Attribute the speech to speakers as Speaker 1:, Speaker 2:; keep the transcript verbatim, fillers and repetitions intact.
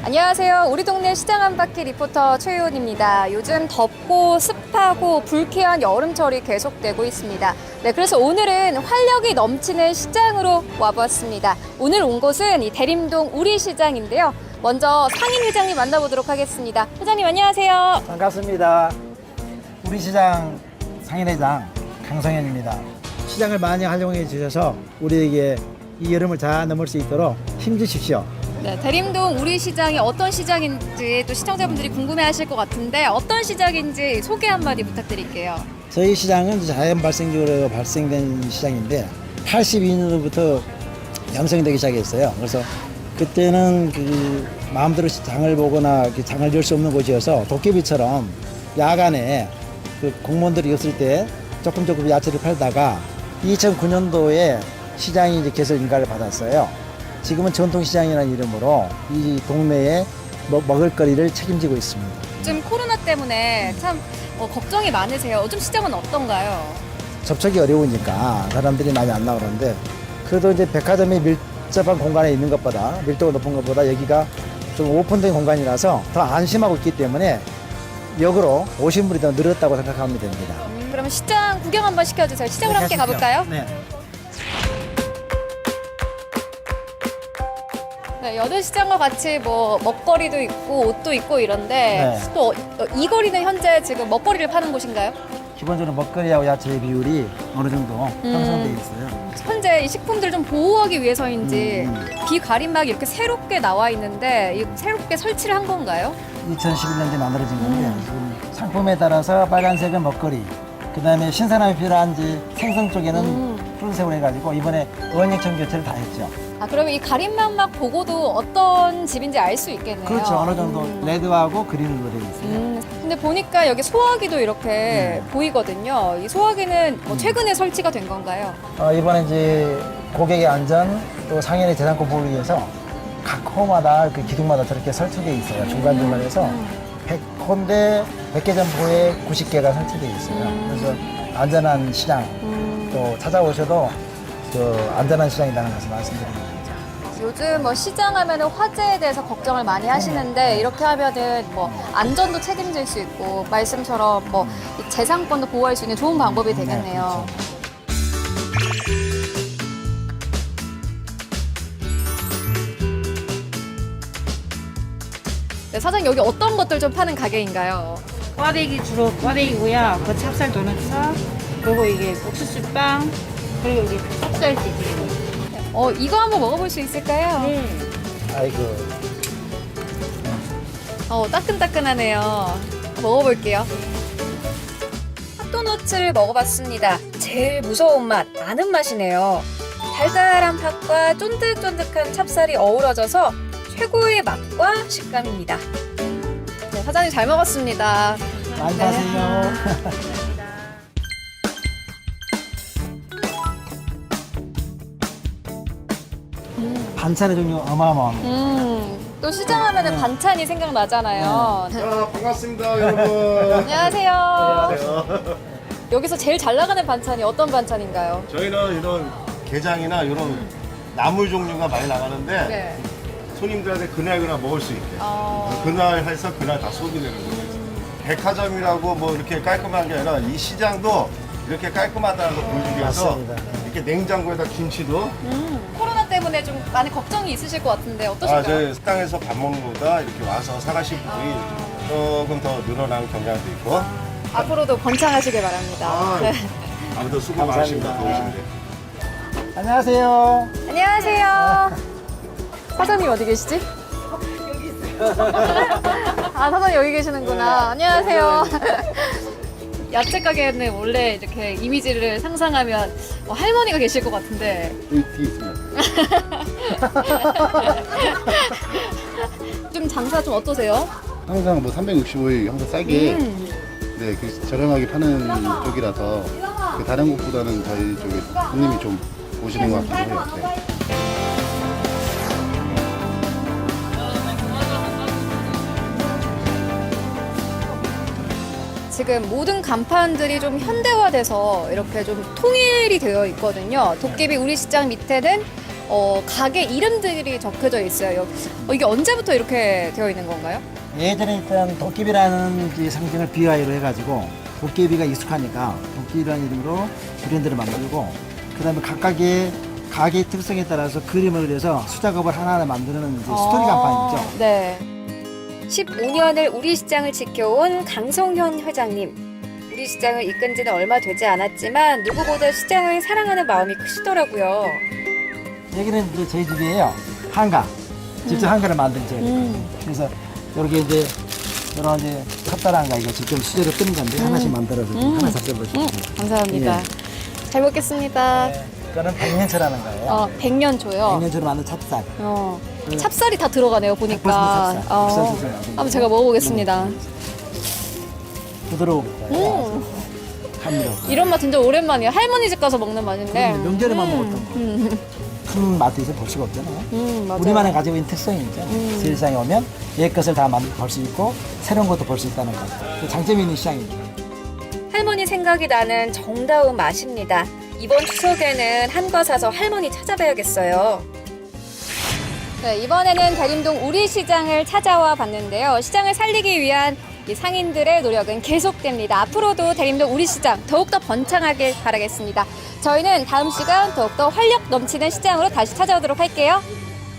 Speaker 1: 안녕하세요. 우리 동네 시장 한 바퀴 리포터 최유원입니다. 요즘 덥고 습하고 불쾌한 여름철이 계속되고 있습니다. 네, 그래서 오늘은 활력이 넘치는 시장으로 와보았습니다. 오늘 온 곳은 이 대림동 우리시장인데요. 먼저 상인 회장님 만나보도록 하겠습니다. 회장님 안녕하세요.
Speaker 2: 반갑습니다. 우리시장 상인회장 강성현입니다. 시장을 많이 활용해 주셔서 우리에게 이 여름을 잘 넘을 수 있도록 힘주십시오.
Speaker 1: 네, 대림동 우리시장이 어떤 시장인지 또 시청자분들이 궁금해하실 것 같은데 어떤 시장인지 소개 한마디 부탁드릴게요.
Speaker 2: 저희 시장은 자연 발생적으로 발생된 시장인데 팔십이 년도부터 양성되기 시작했어요. 그래서 그때는 그 마음대로 장을 보거나 장을 열 수 없는 곳이어서 도깨비처럼 야간에 그 공무원들이 없을 때 조금 조금 야채를 팔다가 이천구 년도에 시장이 이제 개설 인가를 받았어요. 지금은 전통시장이라는 이름으로 이 동네에 먹을거리를 책임지고 있습니다.
Speaker 1: 요즘 코로나 때문에 참 어, 걱정이 많으세요. 요즘 시장은 어떤가요?
Speaker 2: 접촉이 어려우니까 사람들이 많이 안 나오는데 그래도 이제 백화점이 밀접한 공간에 있는 것보다 밀도가 높은 것보다 여기가 좀 오픈된 공간이라서 더 안심하고 있기 때문에 역으로 오신 분이 더 늘었다고 생각하면 됩니다.
Speaker 1: 음, 그러면 시장 구경 한번 시켜주세요. 시장으로
Speaker 2: 네,
Speaker 1: 함께
Speaker 2: 가시죠.
Speaker 1: 가볼까요?
Speaker 2: 네.
Speaker 1: 네, 여느 시장과 같이 뭐 먹거리도 있고 옷도 있고 이런데
Speaker 2: 네.
Speaker 1: 또 이 거리는 현재 지금 먹거리를 파는 곳인가요?
Speaker 2: 기본적으로 먹거리하고 야채의 비율이 어느 정도 형성되어 있어요.
Speaker 1: 현재 이 식품들을 좀 보호하기 위해서인지
Speaker 2: 음.
Speaker 1: 비가림막이 이렇게 새롭게 나와 있는데 이 새롭게 설치를 한 건가요?
Speaker 2: 이천십일 년도에 만들어진 건데
Speaker 1: 음.
Speaker 2: 지금 상품에 따라서 빨간색은 먹거리, 그 다음에 신선함이 필요한지 생선 쪽에는
Speaker 1: 음.
Speaker 2: 푸른색으로 해가지고 이번에 의원육청 교체를 다 했죠.
Speaker 1: 아, 그러면 이 가림막막 보고도 어떤 집인지 알 수 있겠네요.
Speaker 2: 그렇죠. 어느 정도
Speaker 1: 음.
Speaker 2: 레드하고 그린으로 되어 있어요.
Speaker 1: 음, 근데 보니까 여기 소화기도 이렇게
Speaker 2: 네.
Speaker 1: 보이거든요. 이 소화기는 뭐 최근에 설치가 된 건가요?
Speaker 2: 어, 이번에 이제 고객의 안전 또 상인의 재산권 보호를 위해서 각 호마다 그 기둥마다 저렇게 설치되어 있어요. 중간중간에서 백 호인데 백 개 점포에 구십 개가 설치되어 있어요. 그래서 안전한 시장
Speaker 1: 음.
Speaker 2: 또 찾아오셔도 그 안전한 시장이라는 것을 말씀드립니다.
Speaker 1: 요즘 뭐 시장 하면은 화재에 대해서 걱정을 많이 하시는데 이렇게 하면은 뭐 안전도 책임질 수 있고 말씀처럼 뭐이 재산권도 보호할 수 있는 좋은 방법이 되겠네요.
Speaker 2: 네, 그렇죠.
Speaker 1: 네, 사장님 여기 어떤 것들 좀 파는 가게인가요?
Speaker 3: 꽈배기 주로 꽈배기고요. 그 찹쌀 도넛츠, 그리고 이게 옥수수빵, 그리고 이게 찹쌀찌개.
Speaker 1: 어, 이거 한번 먹어볼 수 있을까요?
Speaker 3: 네.
Speaker 2: 아이고.
Speaker 1: 어, 따끈따끈하네요. 먹어볼게요. 핫도너츠를 먹어봤습니다. 제일 무서운 맛, 아는 맛이네요. 달달한 팥과 쫀득쫀득한 찹쌀이 어우러져서 최고의 맛과 식감입니다. 네, 사장님 잘 먹었습니다.
Speaker 2: 많이 사세요. 반찬의 종류 어마어마합니다.
Speaker 1: 음, 또 시장 하면은
Speaker 2: 네.
Speaker 1: 반찬이 생각나잖아요.
Speaker 4: 자, 반갑습니다, 여러분.
Speaker 1: 안녕하세요.
Speaker 4: 안녕하세요.
Speaker 1: 여기서 제일 잘 나가는 반찬이 어떤 반찬인가요?
Speaker 4: 저희는 이런 게장이나 이런 나물 종류가 많이 나가는데
Speaker 1: 네.
Speaker 4: 손님들한테 그날 그날 먹을 수 있게
Speaker 1: 어...
Speaker 4: 그날 해서 그날 다 소비되는 거예요. 백화점이라고 뭐 이렇게 깔끔한 게 아니라 이 시장도 이렇게 깔끔하다는 걸 보여주기 위해서
Speaker 2: 맞습니다.
Speaker 4: 이렇게 냉장고에다 김치도
Speaker 1: 음, 코로나 때문에 좀 많이 걱정이 있으실 것 같은데
Speaker 4: 아,
Speaker 1: 어떠신가요?
Speaker 4: 저희 식당에서 밥 먹는 것보다 이렇게 와서 사가신 분이 조금 더 늘어난 경향도 있고
Speaker 1: 앞으로도 번창하시길 바랍니다.
Speaker 4: 아,
Speaker 1: 네.
Speaker 4: 아무튼 수고
Speaker 2: 감사합니다.
Speaker 4: 많으십니다. 더우신데.
Speaker 2: 안녕하세요.
Speaker 1: 안녕하세요. 사장님 어디 계시지? 아, 사장님 여기 계시는구나. 안녕하세요. 야채 가게는 원래 이렇게 이미지를 상상하면 뭐 할머니가 계실 것 같은데
Speaker 4: 여기 뒤에 있습니다.
Speaker 1: 좀 장사 좀 어떠세요?
Speaker 4: 항상 뭐 삼백육십오 일 항상 싸게
Speaker 1: 음.
Speaker 4: 네, 그 저렴하게 파는 쪽이라서 그 다른 곳보다는 저희 쪽에 손님이 좀 오시는 것 같기도 해요. 네.
Speaker 1: 지금 모든 간판들이 좀 현대화돼서 이렇게 좀 통일이 되어 있거든요. 도깨비 우리 시장 밑에는 어, 가게 이름들이 적혀져 있어요. 어, 이게 언제부터 이렇게 되어 있는 건가요?
Speaker 2: 예전에 일단 도깨비라는 이 상징을 비화로 해가지고 도깨비가 익숙하니까 도깨비라는 이름으로 브랜드를 만들고 그다음에 각각의 가게 특성에 따라서 그림을 그려서 수작업을 하나하나 만드는 이제 스토리 간판이죠.
Speaker 1: 네. 십오 년을 우리 시장을 지켜온 강성현 회장님. 우리 시장을 이끈 지는 얼마 되지 않았지만 누구보다 시장을 사랑하는 마음이 크시더라고요.
Speaker 2: 여기는 이제 저희 집이에요. 한가. 직접 한가를 만든 저희.
Speaker 1: 음.
Speaker 2: 그래서 이렇게 이제 이런 이제 찹쌀 한가 이거 직접 수제로 뜨는 건데 하나씩 만들어서
Speaker 1: 음.
Speaker 2: 하나 잡숴보시면
Speaker 1: 음, 감사합니다. 잘 먹겠습니다.
Speaker 2: 네. 이거는 백년초라는 거예요.
Speaker 1: 어, 백년초요.
Speaker 2: 백년초로 만든 찹쌀.
Speaker 1: 어,
Speaker 2: 그
Speaker 1: 찹쌀이 다 들어가네요, 보니까.
Speaker 2: 백 퍼센트 찹쌀.
Speaker 1: 어,
Speaker 2: 국산 찹쌀 만든
Speaker 1: 한번 제가 먹어보겠습니다.
Speaker 2: 부드러워.
Speaker 1: 음,
Speaker 2: 함미로.
Speaker 1: 이런 맛 진짜 오랜만이에요. 할머니 집 가서 먹는 맛인데.
Speaker 2: 음, 명절에만
Speaker 1: 음,
Speaker 2: 먹었던 거.
Speaker 1: 음,
Speaker 2: 큰 맛에서 볼 수가 없잖아요.
Speaker 1: 음, 맞아요.
Speaker 2: 우리만의 가지고 있는 특성이죠.
Speaker 1: 음.
Speaker 2: 세상에 오면 옛 것을 다 볼 수 있고 새로운 것도 볼 수 있다는 것. 그 장점이 있는 시장이죠.
Speaker 1: 할머니 생각이 나는 정다운 맛입니다. 이번 추석에는 한과 사서 할머니 찾아봐야겠어요. 네, 이번에는 대림동 우리시장을 찾아와 봤는데요. 시장을 살리기 위한 이 상인들의 노력은 계속됩니다. 앞으로도 대림동 우리시장 더욱더 번창하길 바라겠습니다. 저희는 다음 시간 더욱더 활력 넘치는 시장으로 다시 찾아오도록 할게요.